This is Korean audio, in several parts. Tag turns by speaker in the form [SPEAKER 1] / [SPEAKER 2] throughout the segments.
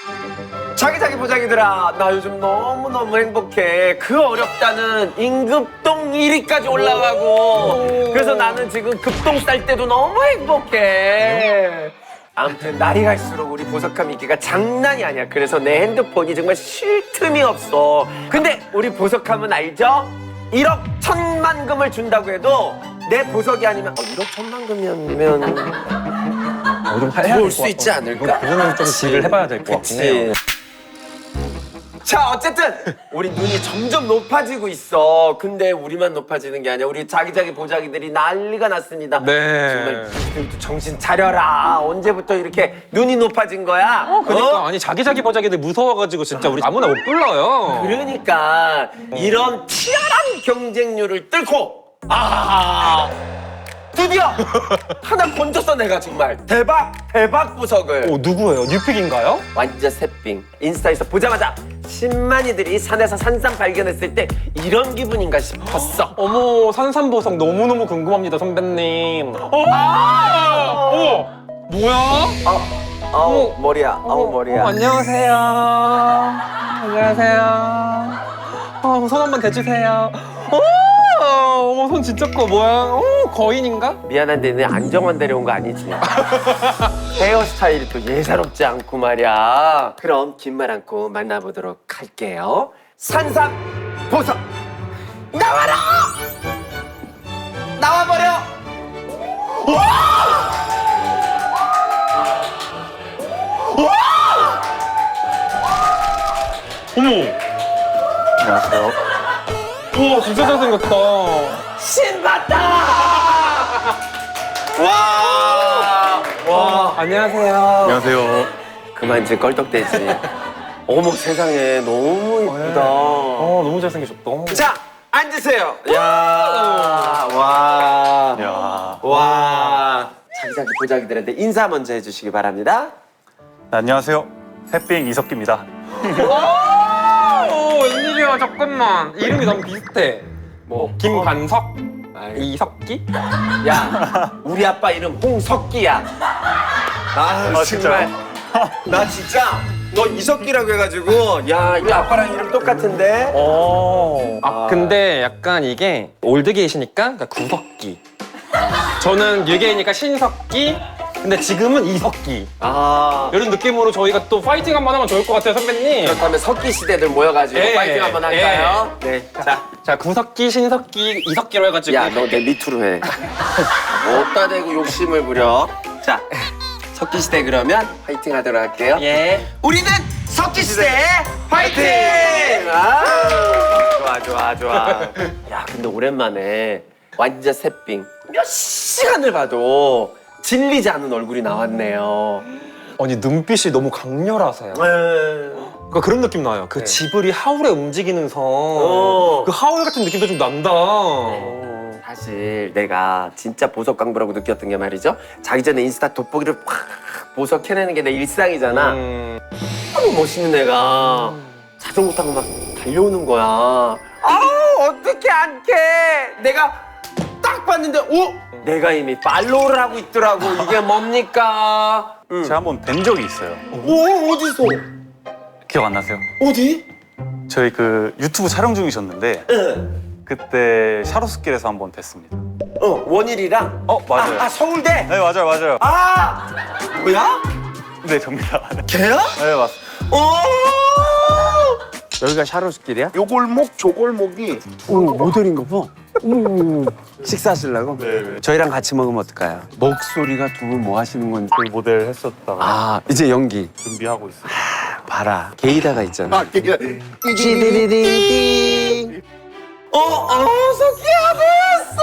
[SPEAKER 1] 자기 보자기들아, 나 요즘 너무너무 행복해. 그 어렵다는 임급동 1위까지 올라가고, 그래서 나는 지금 급동 쌀 때도 너무 행복해. 아무튼 날이 갈수록 우리 보석함 인기가 장난이 아니야. 그래서 내 핸드폰이 정말 쉴 틈이 없어. 근데 우리 보석함은 알죠? 1억 1,000만 금을 준다고 해도 내 보석이 아니면 1억 1,000만 금이면
[SPEAKER 2] 좀
[SPEAKER 1] 들어올 수 있지 않을까?
[SPEAKER 2] 그거는 좀 딜을 해봐야 될 것 같긴 해요.
[SPEAKER 1] 자, 어쨌든 우리 눈이 점점 높아지고 있어. 근데 우리만 높아지는 게 아니야. 우리 자기자기 보자기들이 난리가 났습니다.
[SPEAKER 2] 네.
[SPEAKER 1] 정말 니들도 정신 차려라. 언제부터 이렇게 눈이 높아진 거야?
[SPEAKER 2] 그러니까 아니 자기 보자기들 무서워가지고 진짜 우리 아무나 못 불러요.
[SPEAKER 1] 그러니까 이런 치열한 경쟁률을 뚫고 드디어 하나 건졌어. 내가 정말 대박 보석을.
[SPEAKER 2] 누구예요? 뉴픽인가요?
[SPEAKER 1] 완전 새삥. 인스타에서 보자마자 10만이들이 산에서 산삼 발견했을 때 이런 기분인가 싶었어.
[SPEAKER 2] 어머 산삼보석 너무너무 궁금합니다 선배님. 어머 뭐야?
[SPEAKER 1] 아우 머리야. 아우 머리야.
[SPEAKER 2] 안녕하세요. 손 한번 대주세요. 어머 손 진짜 커. 뭐야? 거인인가?
[SPEAKER 1] 미안한데 내 안정환 데려온 거 아니지? 헤어스타일이 또 예사롭지 않고 말이야. 그럼 긴 말 않고 만나보도록 할게요. 산삼 보석 나와라! 나와버려!
[SPEAKER 2] 어머.
[SPEAKER 3] 안녕하세요.
[SPEAKER 2] 우와 진짜 잘생겼다.
[SPEAKER 1] 신봤다! 와.
[SPEAKER 2] 안녕하세요.
[SPEAKER 3] 안녕하세요.
[SPEAKER 1] 그만 이제 껄떡대지. 어머 세상에 너무 이쁘다.
[SPEAKER 2] 너무 잘생기셨다.
[SPEAKER 1] 자 앉으세요. 야, 와,
[SPEAKER 3] 야.
[SPEAKER 1] 와. 자기자기 보자기들한테 인사 먼저 해주시기 바랍니다.
[SPEAKER 3] 안녕하세요. 새삥 이석기입니다.
[SPEAKER 2] 웬일이야 잠깐만. 이름이 너무 비슷해. 뭐 김관석? 이석기?
[SPEAKER 1] 야, 우리 아빠 이름 홍석기야. 아,
[SPEAKER 3] 진짜요?
[SPEAKER 1] 나 진짜 너 이석기라고 해가지고 야, 우리 아빠랑 이름 똑같은데.
[SPEAKER 2] 근데 약간 이게 올드게이시니까 그러니까 구석기. 저는 뉴게이니까 신석기. 근데 지금은 이석기. 이런 느낌으로 저희가 또 파이팅 한번 하면 좋을 것 같아요 선배님.
[SPEAKER 1] 그렇다면 석기 시대들 모여가지고
[SPEAKER 2] 예,
[SPEAKER 1] 파이팅 한번 할까요?
[SPEAKER 2] 예.
[SPEAKER 1] 네.
[SPEAKER 2] 자 구석기, 신석기, 이석기로 해가지고.
[SPEAKER 1] 야, 너 내 밑으로 해. 어디다 대고 욕심을 부려. 자, 석기 시대 그러면 파이팅 하도록 할게요.
[SPEAKER 2] 예.
[SPEAKER 1] 우리는 석기 시대 파이팅! 좋아. 야, 근데 오랜만에 완전 새삥 몇 시간을 봐도 질리지 않은 얼굴이 나왔네요.
[SPEAKER 2] 아니 눈빛이 너무 강렬하세요. 그러니까 그런 느낌 나요. 그
[SPEAKER 1] 네.
[SPEAKER 2] 지브리 하울의 움직이는 성. 그 하울 같은 느낌도 좀 난다.
[SPEAKER 1] 사실 내가 진짜 보석 강부라고 느꼈던 게 말이죠. 자기 전에 인스타 돋보기를 팍 보석 해내는 게 내 일상이잖아. 너무 멋있는 애가 자전거 타고 막 달려오는 거야. 어떻게 안 캐? 내가 딱 봤는데, 내가 이미 팔로우를 하고 있더라고. 이게 뭡니까?
[SPEAKER 3] 제가 한번 뵌 적이 있어요.
[SPEAKER 1] 어디서?
[SPEAKER 3] 기억 안 나세요?
[SPEAKER 1] 어디?
[SPEAKER 3] 저희 그 유튜브 촬영 중이셨는데
[SPEAKER 1] 응.
[SPEAKER 3] 그때 샤로스길에서 한번 뵀습니다.
[SPEAKER 1] 원일이랑?
[SPEAKER 3] 맞아요.
[SPEAKER 1] 서울대?
[SPEAKER 3] 네, 맞아요.
[SPEAKER 1] 뭐야?
[SPEAKER 3] 네, 접니다.
[SPEAKER 1] 걔야?
[SPEAKER 3] 네, 맞습니다.
[SPEAKER 1] 여기가 샤로스길이야?
[SPEAKER 4] 요 골목 저 골목이 모델인가 봐.
[SPEAKER 1] 식사하시려고?
[SPEAKER 3] 네.
[SPEAKER 1] 저희랑 같이 먹으면 어떨까요? 목소리가 두 분 뭐 하시는 건지.
[SPEAKER 3] 저희 모델 했었다가
[SPEAKER 1] 이제 연기.
[SPEAKER 3] 준비하고 있어요.
[SPEAKER 1] 봐라. 게이다가 있잖아.
[SPEAKER 4] 이게
[SPEAKER 1] 찌리리링. 석기야 보였어.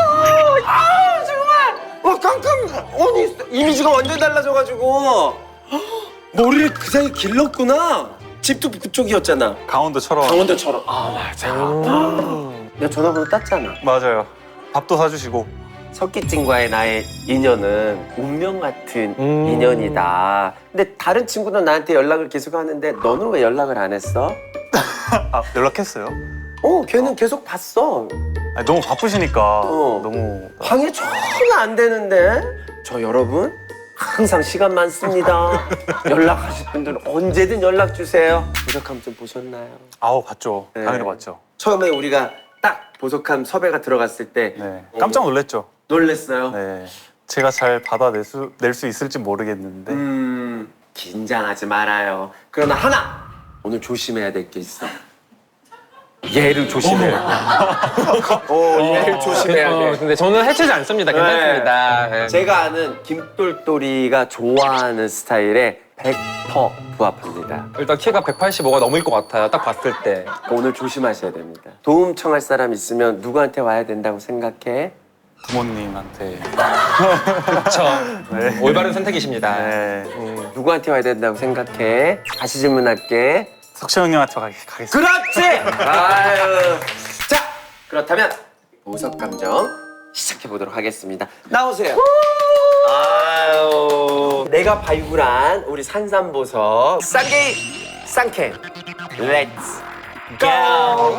[SPEAKER 1] 정말. 깜깜. 아니 이미지가 완전 달라져가지고. 머리를 그 사이 길렀구나. 집도 그쪽이었잖아.
[SPEAKER 3] 강원도처럼.
[SPEAKER 1] 강원도처럼. 맞아. 내가 전화번호 땄잖아.
[SPEAKER 3] 맞아요. 밥도 사주시고.
[SPEAKER 1] 석기증과의 나의 인연은 운명 같은 인연이다. 근데 다른 친구는 나한테 연락을 계속 하는데 너는 왜 연락을 안 했어?
[SPEAKER 3] 연락했어요.
[SPEAKER 1] 걔는 계속 봤어.
[SPEAKER 3] 아니, 너무 바쁘시니까 너무
[SPEAKER 1] 방해 전혀 안 되는데. 저 여러분, 항상 시간 많습니다. 연락하실 분들은 언제든 연락 주세요. 보석함 좀 보셨나요?
[SPEAKER 3] 아우 봤죠.
[SPEAKER 1] 네.
[SPEAKER 3] 당연히 봤죠.
[SPEAKER 1] 처음에 우리가 딱 보석함 섭외가 들어갔을 때
[SPEAKER 3] 네. 깜짝 놀랐죠.
[SPEAKER 1] 놀랬어요.
[SPEAKER 3] 네. 제가 잘 낼 수 있을지 모르겠는데
[SPEAKER 1] 긴장하지 말아요. 그러나 하나 오늘 조심해야 될 게 있어. 얘를 조심해야 돼. 얘를 조심해야 돼.
[SPEAKER 2] 근데 저는 해치지 않습니다. 괜찮습니다. 네.
[SPEAKER 1] 제가 아는 김똘똘이가 좋아하는 스타일에 100% 부합합니다.
[SPEAKER 2] 일단 키가 185가 넘을 것 같아요. 딱 봤을 때.
[SPEAKER 1] 그러니까 오늘 조심하셔야 됩니다. 도움 청할 사람 있으면 누구한테 와야 된다고 생각해?
[SPEAKER 3] 부모님한테.
[SPEAKER 2] 그렇죠.
[SPEAKER 3] 네.
[SPEAKER 2] 올바른 선택이십니다.
[SPEAKER 3] 네.
[SPEAKER 1] 누구한테 와야 된다고 생각해? 다시 질문할게.
[SPEAKER 3] 석시 형님한테 가겠습니다.
[SPEAKER 1] 그렇지! 아유. 자, 그렇다면 보석 감정 시작해 보도록 하겠습니다. 나오세요. 아유. 내가 발굴한 우리 산삼보석 쌍게이 쌍캔. 렛츠 고!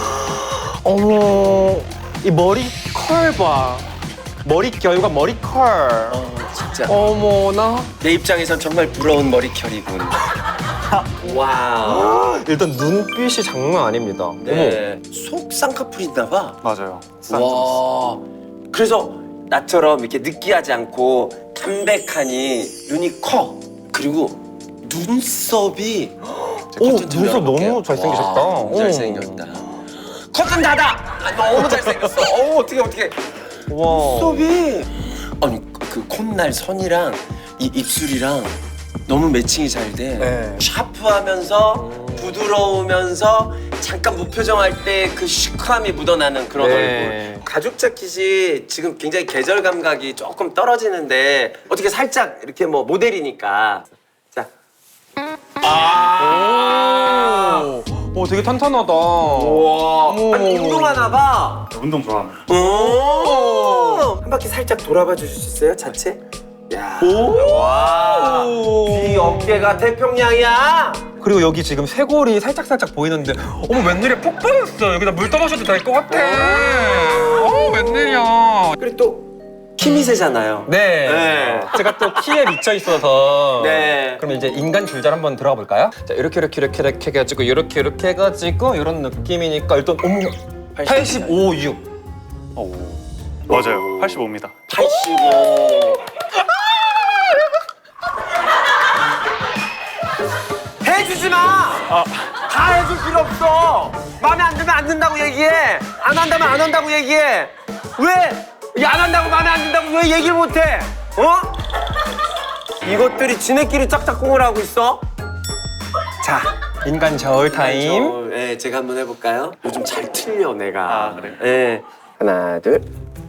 [SPEAKER 2] 어머, 이 머리 컬 봐. 머리 결과 머리 컬.
[SPEAKER 1] 진짜
[SPEAKER 2] 어머나.
[SPEAKER 1] 내 입장에선 정말 부러운 머리결이군. 와우.
[SPEAKER 2] 일단 눈빛이 장난 아닙니다.
[SPEAKER 1] 네. 속 쌍꺼풀인가 봐.
[SPEAKER 3] 맞아요.
[SPEAKER 1] 와. 그래서 나처럼 이렇게 느끼하지 않고 담백하니 눈이 커. 그리고 눈썹이
[SPEAKER 2] 오, 눈썹 너무 잘생기셨다.
[SPEAKER 1] 와, 너무 잘생겼다. 커튼 닫아. 아, 너무 잘생겼어. 어떻게.
[SPEAKER 2] 와.
[SPEAKER 1] 눈썹이 아니 그 콧날 선이랑 이 입술이랑 너무 매칭이 잘 돼.
[SPEAKER 2] 네.
[SPEAKER 1] 샤프하면서 부드러우면서 잠깐 무표정할 때 그 시크함이 묻어나는 그런
[SPEAKER 2] 네.
[SPEAKER 1] 얼굴. 가죽 자켓이 지금 굉장히 계절 감각이 조금 떨어지는데 어떻게 살짝 이렇게 뭐 모델이니까. 자.
[SPEAKER 2] 오, 되게 탄탄하다.
[SPEAKER 1] 우와.
[SPEAKER 2] 어머.
[SPEAKER 1] 아니, 운동하나 봐.
[SPEAKER 3] 운동 좋아합니다.
[SPEAKER 1] 오. 한 바퀴 살짝 돌아봐 주실 수 있어요? 자체? 야. 와. 이 어깨가 태평양이야.
[SPEAKER 2] 그리고 여기 지금 쇄골이 살짝살짝 보이는데 어머 웬일이야 푹 빠졌어. 여기다 물 떠마셔도 될 것 같아. 웬일이야.
[SPEAKER 1] 그리고 또 키미세잖아요.
[SPEAKER 2] 네.
[SPEAKER 1] 네.
[SPEAKER 2] 제가 또 키에 미쳐 있어서.
[SPEAKER 1] 네.
[SPEAKER 2] 그럼 이제 인간 줄잘 한번 들어가 볼까요? 자, 이렇게 해가지고 이렇게 해가지고 이런 느낌이니까 일단 어머 85, 6.
[SPEAKER 3] 오. 맞아요. 85입니다.
[SPEAKER 1] 85. 해주지 마. 다 해줄 필요 없어. 마음에 안 들면 안 든다고 얘기해. 안 한다면 안 한다고 얘기해. 왜? 안 한다고 마음에 안 든다고 왜 얘기를 못해? 이것들이 지네끼리 짝짝꿍을 하고 있어. 자,
[SPEAKER 2] 인간 저울 타임.
[SPEAKER 1] 네, 제가 한번 해볼까요? 요즘 잘 틀려 내가.
[SPEAKER 3] 아, 그래요?
[SPEAKER 1] 네, 하나, 둘.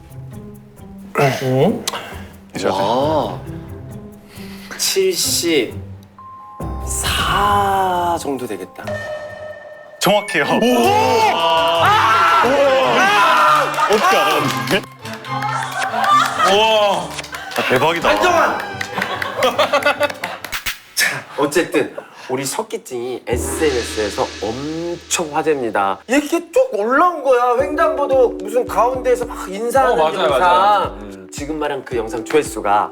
[SPEAKER 3] 이제
[SPEAKER 1] 와, 74 정도 되겠다.
[SPEAKER 3] 정확해요. 어떻게 알았는데? 우와. 대박이다.
[SPEAKER 1] 안정환! 자, 어쨌든 우리 석기증이 SNS에서 엄청 화제입니다. 이렇게 쭉 올라온 거야. 횡단보도 무슨 가운데에서 막 인사하는
[SPEAKER 2] 맞아요,
[SPEAKER 1] 영상.
[SPEAKER 2] 맞아요.
[SPEAKER 1] 지금 말한 그 영상 조회수가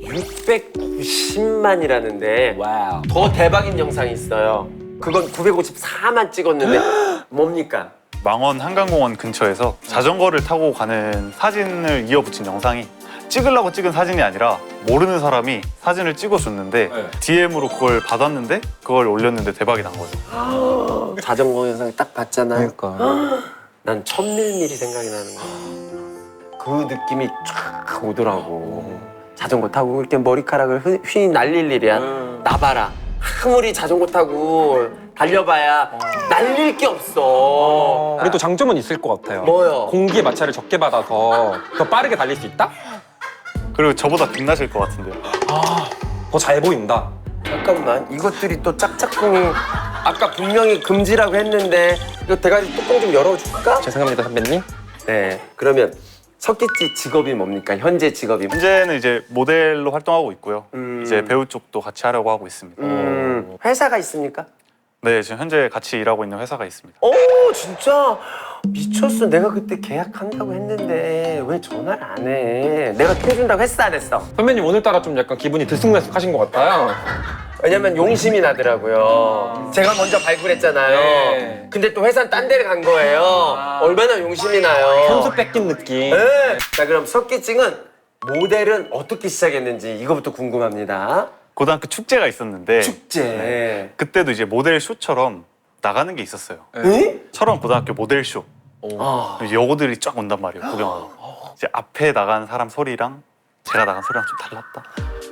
[SPEAKER 1] 690만이라는데
[SPEAKER 2] 와우.
[SPEAKER 1] 더 대박인 영상이 있어요. 그건 954만 찍었는데 뭡니까?
[SPEAKER 3] 망원 한강공원 근처에서 자전거를 타고 가는 사진을 이어붙인 영상이 찍으려고 찍은 사진이 아니라 모르는 사람이 사진을 찍어줬는데
[SPEAKER 2] 네.
[SPEAKER 3] DM으로 그걸 받았는데 그걸 올렸는데 대박이 난 거죠.
[SPEAKER 1] 자전거 영상 딱 봤잖아요.
[SPEAKER 2] 그러니까.
[SPEAKER 1] 난 천밀밀이 생각이 나는 거야. 그 느낌이 쫙 오더라고. 자전거 타고 이렇게 머리카락을 휘 날릴 일이야. 나봐라. 아무리 자전거 타고 달려봐야 날릴 게 없어.
[SPEAKER 2] 그래도 장점은 있을 것 같아요.
[SPEAKER 1] 뭐요?
[SPEAKER 2] 공기의 마찰을 적게 받아서 더 빠르게 달릴 수 있다?
[SPEAKER 3] 그리고 저보다 빛나실 것 같은데요.
[SPEAKER 2] 더 잘 보인다.
[SPEAKER 1] 잠깐만, 이것들이 또 짝짝꿍이 아까 분명히 금지라고 했는데 이거 대가리 뚜껑 좀 열어줄까?
[SPEAKER 2] 죄송합니다, 선배님.
[SPEAKER 1] 네, 그러면 석기지 직업이 뭡니까? 현재 직업이
[SPEAKER 3] 현재는 이제 모델로 활동하고 있고요.
[SPEAKER 1] 음.
[SPEAKER 3] 이제 배우 쪽도 같이 하려고 하고 있습니다.
[SPEAKER 1] 회사가 있습니까?
[SPEAKER 3] 네, 지금 현재 같이 일하고 있는 회사가 있습니다.
[SPEAKER 1] 오 진짜 미쳤어. 내가 그때 계약한다고 했는데 왜 전화를 안 해? 내가 켜준다고 했어 안 했어?
[SPEAKER 2] 선배님 오늘따라 좀 약간 기분이 들쑥날쑥하신 것 같아요.
[SPEAKER 1] 왜냐면 용심이 나더라고요. 제가 먼저 발굴했잖아요.
[SPEAKER 2] 네.
[SPEAKER 1] 근데 또 회사는 딴 데를 간 거예요. 얼마나 용심이 나요.
[SPEAKER 2] 현수 뺏긴 느낌.
[SPEAKER 1] 네. 자 그럼 석기증은 모델은 어떻게 시작했는지 이거부터 궁금합니다.
[SPEAKER 3] 고등학교 축제가 있었는데
[SPEAKER 1] 축제.
[SPEAKER 3] 그때도 이제 모델 쇼처럼 나가는 게 있었어요.
[SPEAKER 1] 응?
[SPEAKER 3] 철원 고등학교 모델 쇼.
[SPEAKER 1] 아.
[SPEAKER 3] 여고들이 쫙 온단 말이에요. 구경하러. 이제 앞에 나간 사람 소리랑 제가 나간 소리랑 좀 달랐다.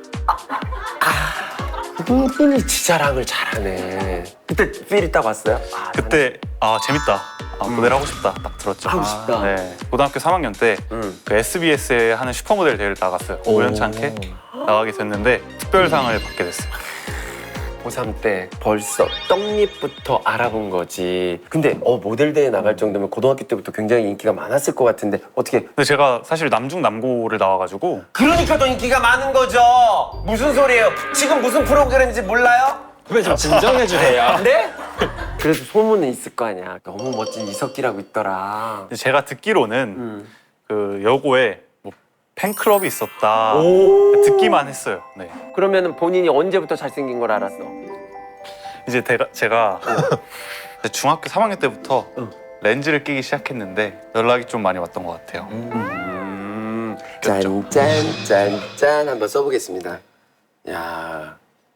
[SPEAKER 1] 그분이 지 자랑을 잘하네. 그때 필이 딱 왔어요? 아,
[SPEAKER 3] 그때 재밌다. 모델 하고 싶다. 딱 들었죠.
[SPEAKER 1] 하고 싶다.
[SPEAKER 3] 네. 고등학교 3학년 때 그 SBS에 하는 슈퍼모델 대회를 나갔어요. 우연치 않게 나가게 됐는데 특별상을 받게 됐어요.
[SPEAKER 1] 고3 때 벌써 떡잎부터 알아본 거지. 근데 모델 대회 나갈 정도면 고등학교 때부터 굉장히 인기가 많았을 것 같은데 어떻게?
[SPEAKER 3] 근데 제가 사실 남중 남고를 나와가지고
[SPEAKER 1] 그러니까 더 인기가 많은 거죠. 무슨 소리예요? 지금 무슨 프로그램인지 몰라요?
[SPEAKER 2] 선배님 좀 진정해주세요.
[SPEAKER 1] 네? 그래도 소문은 있을 거 아니야. 너무 멋진 이석기라고 있더라.
[SPEAKER 3] 제가 듣기로는 그 여고에 뭐 팬클럽이 있었다. 듣기만 했어요. 네.
[SPEAKER 1] 그러면 본인이 언제부터 잘생긴 걸 알았어?
[SPEAKER 3] 이제 제가 중학교 3학년 때부터 렌즈를 끼기 시작했는데 연락이 좀 많이 왔던 것 같아요.
[SPEAKER 1] 짠짠짠짠 한번 써보겠습니다. 야.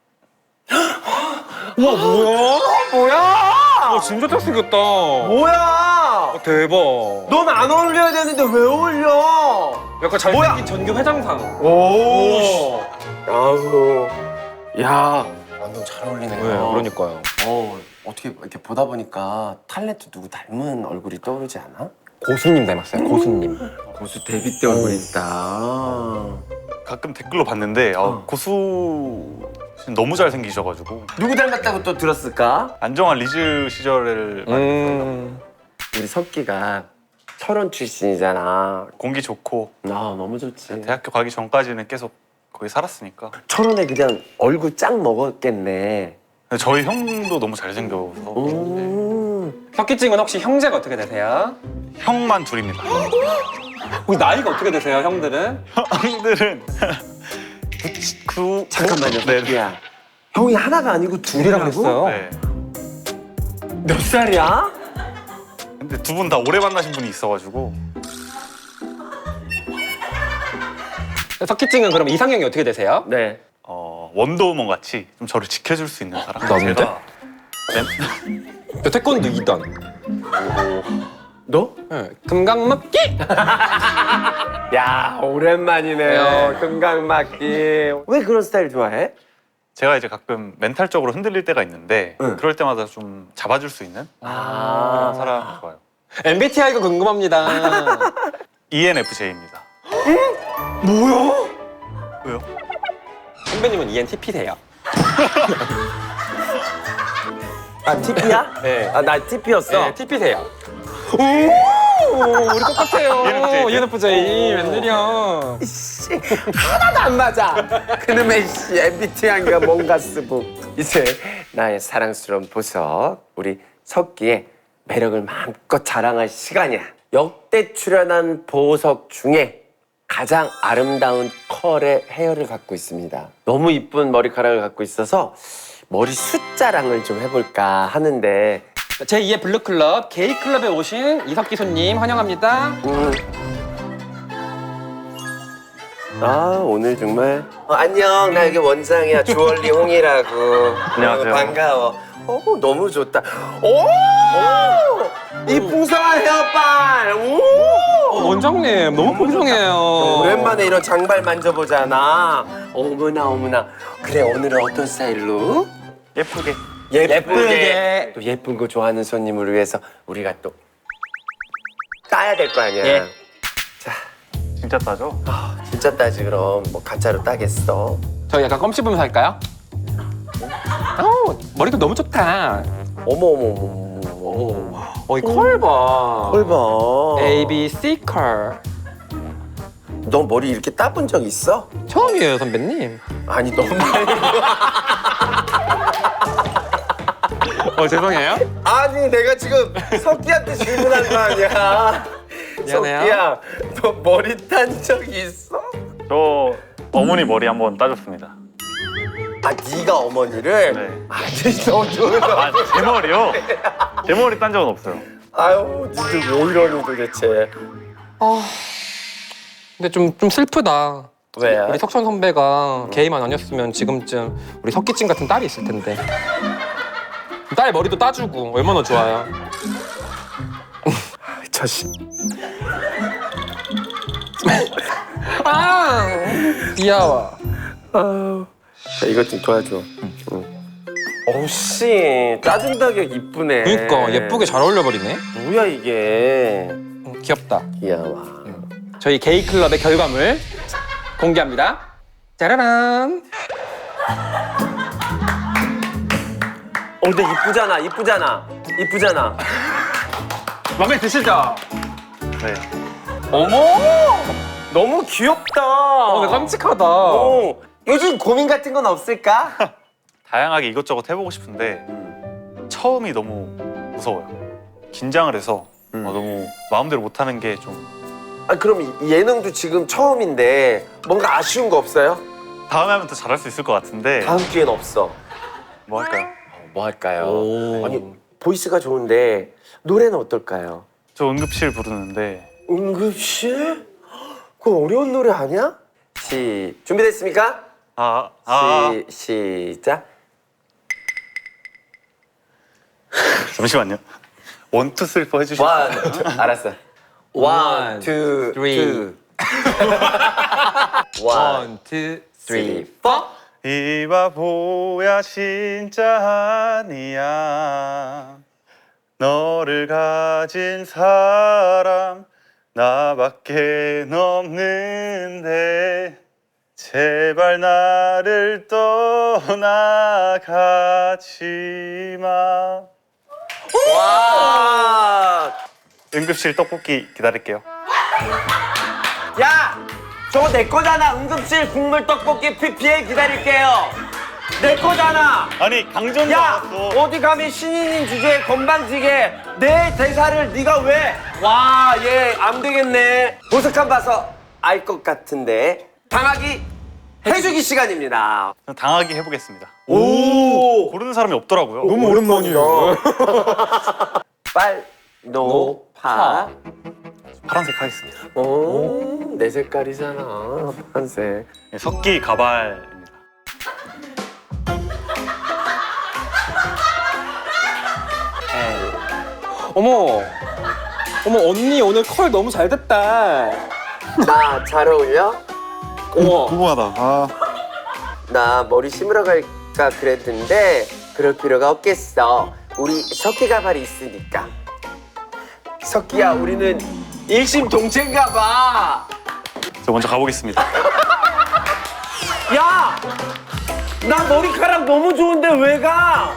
[SPEAKER 2] 우와 뭐야?
[SPEAKER 1] 뭐야?
[SPEAKER 2] 진짜 잘생겼다.
[SPEAKER 1] 뭐야?
[SPEAKER 2] 대박.
[SPEAKER 1] 넌 안 어울려야 되는데 왜 어울려?
[SPEAKER 2] 약간 잘생긴 전교 회장상.
[SPEAKER 1] 오. 아우. 야. 완전 잘 어울리네요.
[SPEAKER 2] 네, 그러니까요.
[SPEAKER 1] 어떻게 이렇게 보다 보니까 탤런트 누구 닮은 얼굴이 떠오르지 않아?
[SPEAKER 2] 고수님 닮았어요. 고수님.
[SPEAKER 1] 고수 데뷔 때 얼굴 있다.
[SPEAKER 3] 가끔 댓글로 봤는데 고수 너무 잘생기셔가지고
[SPEAKER 1] 누구 닮았다고 또 들었을까?
[SPEAKER 3] 안정환 리즈 시절을
[SPEAKER 1] 우리 석기가 철원 출신이잖아.
[SPEAKER 3] 공기 좋고
[SPEAKER 1] 너무 좋지.
[SPEAKER 3] 대학교 가기 전까지는 계속 거기 살았으니까.
[SPEAKER 1] 철원에 그냥 얼굴 쫙 먹었겠네.
[SPEAKER 3] 근데 저희 형도 너무 잘생겨서
[SPEAKER 2] 석기증은 혹시 형제가 어떻게 되세요?
[SPEAKER 3] 형만 둘입니다.
[SPEAKER 2] 혹시 나이가 어떻게 되세요, 형들은?
[SPEAKER 3] 형들은
[SPEAKER 1] 잠깐만요,
[SPEAKER 3] 네.
[SPEAKER 1] 석기야. 형이 하나가 아니고 둘이라고
[SPEAKER 2] 했어요?
[SPEAKER 3] 네.
[SPEAKER 1] 몇 살이야?
[SPEAKER 3] 근데 두 분 다 오래 만나신 분이 있어가지고
[SPEAKER 2] 석기증은 그럼 이상형이 어떻게 되세요?
[SPEAKER 1] 네.
[SPEAKER 3] 원더우먼 같이 좀 저를 지켜줄 수 있는 사람.
[SPEAKER 2] 나는데?
[SPEAKER 3] 제가
[SPEAKER 2] 태권도 2단.
[SPEAKER 1] 너?
[SPEAKER 2] 네. 금강맞기!
[SPEAKER 1] 야, 오랜만이네요. 금강맞기. 왜 그런 스타일 좋아해?
[SPEAKER 3] 제가 이제 가끔 멘탈적으로 흔들릴 때가 있는데 그럴 때마다 좀 잡아줄 수 있는 그런 사람 좋아요.
[SPEAKER 2] MBTI가 궁금합니다.
[SPEAKER 3] ENFJ입니다.
[SPEAKER 2] 뭐야?
[SPEAKER 3] 왜요?
[SPEAKER 2] 선배님은 ENTP세요.
[SPEAKER 1] TP야?
[SPEAKER 2] 네.
[SPEAKER 1] 나 TP였어.
[SPEAKER 2] 네, TP세요. 오, 우리 똑같아요.
[SPEAKER 3] ENFJ.
[SPEAKER 2] ENFJ. 웬일이야.
[SPEAKER 1] 씨, 하나도 안 맞아. 그놈의 씨, MBTI가 뭔가 쓰고. 이제 나의 사랑스러운 보석, 우리 석기의 매력을 마음껏 자랑할 시간이야. 역대 출연한 보석 중에 가장 아름다운 컬의 헤어를 갖고 있습니다. 너무 이쁜 머리카락을 갖고 있어서 머리 숫자랑을 좀 해볼까 하는데
[SPEAKER 2] 제2의 블루클럽 게이클럽에 오신 이석기 손님 환영합니다.
[SPEAKER 1] 오늘 정말 안녕, 나 여기 원장이야. 주얼리 홍이라고.
[SPEAKER 3] 안녕하세요.
[SPEAKER 1] 반가워. 너무 좋다. 이 풍성한 헤어빨.
[SPEAKER 2] 원장님 너무 풍성해요.
[SPEAKER 1] 오랜만에 이런 장발 만져보잖아. 어머나. 그래, 오늘은 어떤 스타일로?
[SPEAKER 3] 예쁘게.
[SPEAKER 1] 예쁘게. 또 예쁜 거 좋아하는 손님을 위해서 우리가 또 따야 될 거 아니야.
[SPEAKER 2] 예.
[SPEAKER 1] 자,
[SPEAKER 3] 진짜 따죠?
[SPEAKER 1] 진짜 따지 그럼. 뭐 가짜로 따겠어.
[SPEAKER 2] 저희 약간 껌 씹으면서 할까요? 머리도 너무 좋다.
[SPEAKER 1] 어머.
[SPEAKER 2] 이 컬 봐.
[SPEAKER 1] 헐 봐.
[SPEAKER 2] A, B, C 컬.
[SPEAKER 1] 너 머리 이렇게 따본 적 있어?
[SPEAKER 2] 처음이에요, 선배님.
[SPEAKER 1] 아니, 너무
[SPEAKER 2] 죄송해요.
[SPEAKER 1] 아니 내가 지금 석기한테 질문한 거 아니야.
[SPEAKER 2] 미안해요.
[SPEAKER 1] 석기야, 너 머리 딴 적 있어?
[SPEAKER 3] 저 어머니 머리 한번 따줬습니다.
[SPEAKER 1] 아 네가 어머니를?
[SPEAKER 3] 네.
[SPEAKER 1] 아니 너 좋은
[SPEAKER 3] 아, 제 머리요? 제 머리 딴 적은 없어요.
[SPEAKER 1] 아유 니들 뭐 이러니 도대체.
[SPEAKER 2] 근데 좀 슬프다.
[SPEAKER 1] 왜?
[SPEAKER 2] 우리 석천 선배가 게이만 아니었으면 지금쯤 우리 석기찜 같은 딸이 있을 텐데. 딸 머리도 따주고 얼마나 좋아요.
[SPEAKER 1] 자식.
[SPEAKER 2] 아 귀여워.
[SPEAKER 1] 자, 이것 좀 도와줘. 어우씨 짜증나게 이쁘네.
[SPEAKER 2] 그러니까 예쁘게 잘 어울려버리네.
[SPEAKER 1] 뭐야 이게.
[SPEAKER 2] 귀엽다.
[SPEAKER 1] 귀여워.
[SPEAKER 2] 저희 게이 클럽의 결과물 공개합니다. 짜라란.
[SPEAKER 1] 근데 이쁘잖아, 이쁘잖아, 이쁘잖아.
[SPEAKER 2] 마음에 드시죠?
[SPEAKER 3] 네.
[SPEAKER 1] 어머, 너무 귀엽다.
[SPEAKER 2] 나 깜찍하다.
[SPEAKER 1] 요즘 고민 같은 건 없을까?
[SPEAKER 3] 다양하게 이것저것 해보고 싶은데 처음이 너무 무서워요. 긴장을 해서 너무 마음대로 못하는 게 좀.
[SPEAKER 1] 아 그럼 예능도 지금 처음인데 뭔가 아쉬운 거 없어요?
[SPEAKER 3] 다음에 하면 더 잘할 수 있을 것 같은데
[SPEAKER 1] 다음 기회는 없어.
[SPEAKER 3] 뭐 할까요?
[SPEAKER 1] 뭐 할까요?
[SPEAKER 2] 오.
[SPEAKER 1] 아니 보이스가 좋은데 노래는 어떨까요?
[SPEAKER 3] 저 응급실 부르는데
[SPEAKER 1] 응급실? 그거 어려운 노래 아니야? 준비됐습니까? 시작.
[SPEAKER 3] 잠시만요. 1, 2, 3, 4 해주시면
[SPEAKER 1] 원, 알았어. 원, 투,
[SPEAKER 2] three.
[SPEAKER 1] 원,
[SPEAKER 2] 1, 2,
[SPEAKER 1] 3,
[SPEAKER 2] 3.
[SPEAKER 1] 4.
[SPEAKER 3] 이 바보야 진짜 아니야. 너를 가진 사람 나밖에 없는데 제발 나를 떠나가지 마.
[SPEAKER 1] 와!
[SPEAKER 3] 응급실 떡볶이 기다릴게요.
[SPEAKER 1] 야! 저거 내 거잖아. 응급실 국물 떡볶이 PPL 기다릴게요. 내 거잖아.
[SPEAKER 3] 아니 강정도
[SPEAKER 1] 야!
[SPEAKER 3] 나왔어.
[SPEAKER 1] 어디 감히 신인인 주제에 건방지게 내 대사를 네가 왜? 와, 얘 안 되겠네. 모습만 봐서 알 것 같은데. 당하기 해주기 시간입니다.
[SPEAKER 3] 당하게 해보겠습니다.
[SPEAKER 1] 오!
[SPEAKER 3] 고르는 사람이 없더라고요.
[SPEAKER 1] 너무 오랜만이에요. 빨노파.
[SPEAKER 3] 파란색 하겠습니다.
[SPEAKER 1] 오, 내 색깔이잖아. 파란색.
[SPEAKER 3] 네, 석기 가발입니다.
[SPEAKER 2] 어머. 어머 언니 오늘 컬 너무 잘 됐다.
[SPEAKER 1] 나 잘 어울려?
[SPEAKER 2] 어머.
[SPEAKER 3] 궁금하다. 아.
[SPEAKER 1] 나 머리 심으러 갈까 그랬는데 그럴 필요가 없겠어. 우리 석기 가발이 있으니까. 석기야, 우리는 일심동체인가 봐.
[SPEAKER 3] 저 먼저 가보겠습니다.
[SPEAKER 1] 야! 나 머리카락 너무 좋은데 왜 가?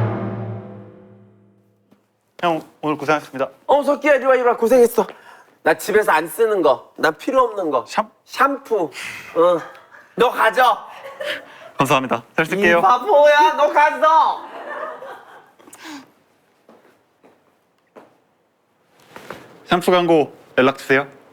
[SPEAKER 3] 형 오늘 고생하셨습니다.
[SPEAKER 1] 석기야, 이리 와. 고생했어. 나 집에서 안 쓰는 거. 나 필요 없는 거. 샴푸. 너 가져.
[SPEAKER 3] 감사합니다. 잘
[SPEAKER 1] 이
[SPEAKER 3] 쓸게요.
[SPEAKER 1] 바보야, 너 갔어.
[SPEAKER 3] 샴푸 광고 연락 주세요.